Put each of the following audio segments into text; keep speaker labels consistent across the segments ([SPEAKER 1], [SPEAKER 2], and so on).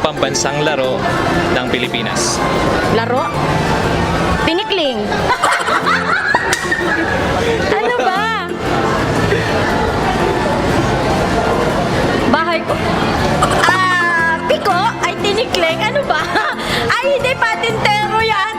[SPEAKER 1] pambansang laro ng Pilipinas?
[SPEAKER 2] Laro? Pinikling. Ano ba? Bahay ko. Piko? Ay, tinikling. Ano ba? Ay, hindi patintero yan.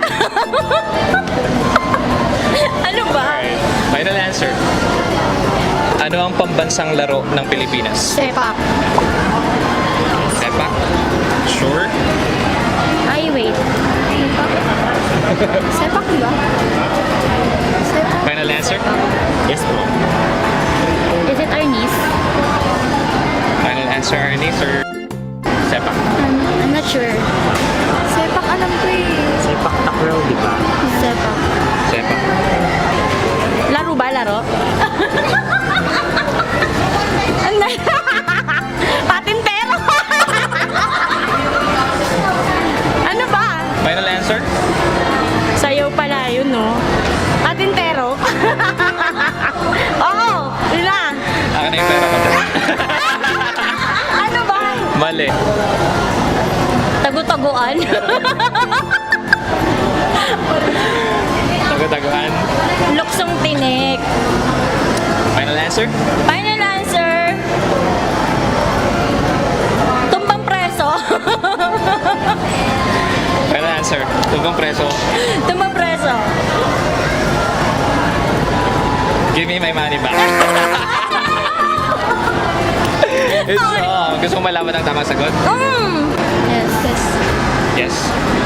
[SPEAKER 2] Ano ba?
[SPEAKER 1] Alright, final answer. Ano ang pambansang laro ng Pilipinas?
[SPEAKER 2] Sepak.
[SPEAKER 1] Sepak? Sure?
[SPEAKER 2] Ay, wait. Sepak, di ba? Sepak.
[SPEAKER 1] Final answer?
[SPEAKER 3] Yes po.
[SPEAKER 2] Is it Arnis?
[SPEAKER 1] Final answer, Arnie, sir? Sepak.
[SPEAKER 2] I'm not sure. Sepak, alam ko eh.
[SPEAKER 3] Sepak takraw, di ba?
[SPEAKER 2] Sepak.
[SPEAKER 1] Sepak.
[SPEAKER 2] Laro ba? Laro? Patintero! Ano ba?
[SPEAKER 1] Final answer?
[SPEAKER 2] Sayaw pala yun, no? Patintero? Oo! Yun lang!
[SPEAKER 1] Akin na yung pera ko dyan.
[SPEAKER 2] Ano ba?
[SPEAKER 1] Mali.
[SPEAKER 2] Tagu-taguan?
[SPEAKER 1] Tago-taguan.
[SPEAKER 2] Luksong tinik.
[SPEAKER 1] Final answer?
[SPEAKER 2] Final answer. Tumbang preso.
[SPEAKER 1] Final answer. Tugong preso.
[SPEAKER 2] Tumbang preso.
[SPEAKER 1] Give me my money back. Gusto mo malaman ang tamang sagot?
[SPEAKER 2] Yes, yes.
[SPEAKER 1] Yes.